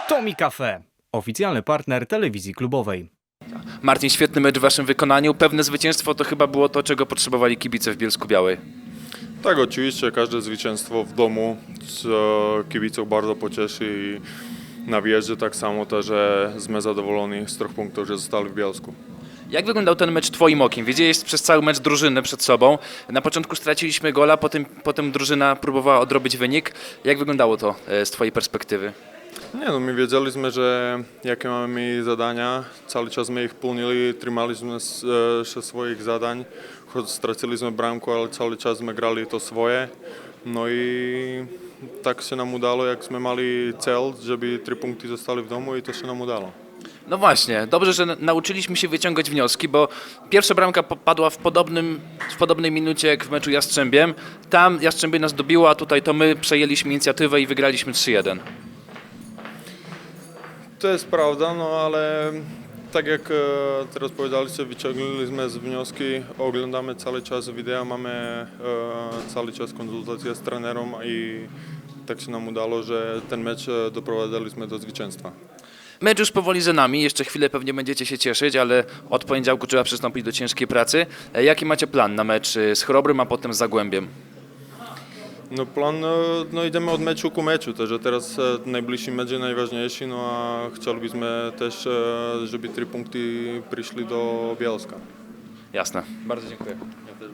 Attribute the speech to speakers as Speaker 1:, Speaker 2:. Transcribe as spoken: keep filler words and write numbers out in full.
Speaker 1: Tomi Cafe, oficjalny partner telewizji klubowej.
Speaker 2: Marcin, świetny mecz w waszym wykonaniu. Pewne zwycięstwo to chyba było to, czego potrzebowali kibice w Bielsku-Białej.
Speaker 3: Tak, oczywiście każde zwycięstwo w domu co kibiców bardzo pocieszy i na wjeździe tak samo też, że jesteśmy zadowoleni z trzech punktów, że zostali w Bielsku.
Speaker 2: Jak wyglądał ten mecz twoim okiem? Wiedziałeś przez cały mecz drużynę przed sobą. Na początku straciliśmy gola, potem, potem drużyna próbowała odrobić wynik. Jak wyglądało to e, z twojej perspektywy?
Speaker 3: Nie, no my wiedzieliśmy, że jakie mamy zadania, cały czas my ich pełnili, trzymaliśmy się swoich zadań, choć straciliśmy bramku, ale cały czas my grali to swoje. No i tak się nam udało, jak jsme mali cel, żeby trzy punkty zostali w domu i to się nam udało.
Speaker 2: No właśnie, dobrze, że nauczyliśmy się wyciągać wnioski, bo pierwsza bramka padła w, podobnym, w podobnej minucie jak w meczu Jastrzębiem. Tam Jastrzębie nas dobiło, a tutaj to my przejęliśmy inicjatywę i wygraliśmy trzy jeden.
Speaker 3: To jest prawda, no ale tak jak e, teraz powiedzieliście, wyciągnęliśmy z wnioski, oglądamy cały czas wideo, mamy e, cały czas konsultacje z trenerem i tak się nam udało, że ten mecz e, doprowadziliśmy do zwycięstwa.
Speaker 2: Mecz już powoli za nami, jeszcze chwilę pewnie będziecie się cieszyć, ale od poniedziałku trzeba przystąpić do ciężkiej pracy. E, Jaki macie plan na mecz z Chrobrym, a potem z Zagłębiem?
Speaker 3: No plan, e, no idziemy od meczu ku meczu, także teraz e, najbliższy mecz jest najważniejszy, no a chcielibyśmy też, e, żeby trzy punkty przyszli do Bielska.
Speaker 2: Jasne. Bardzo dziękuję.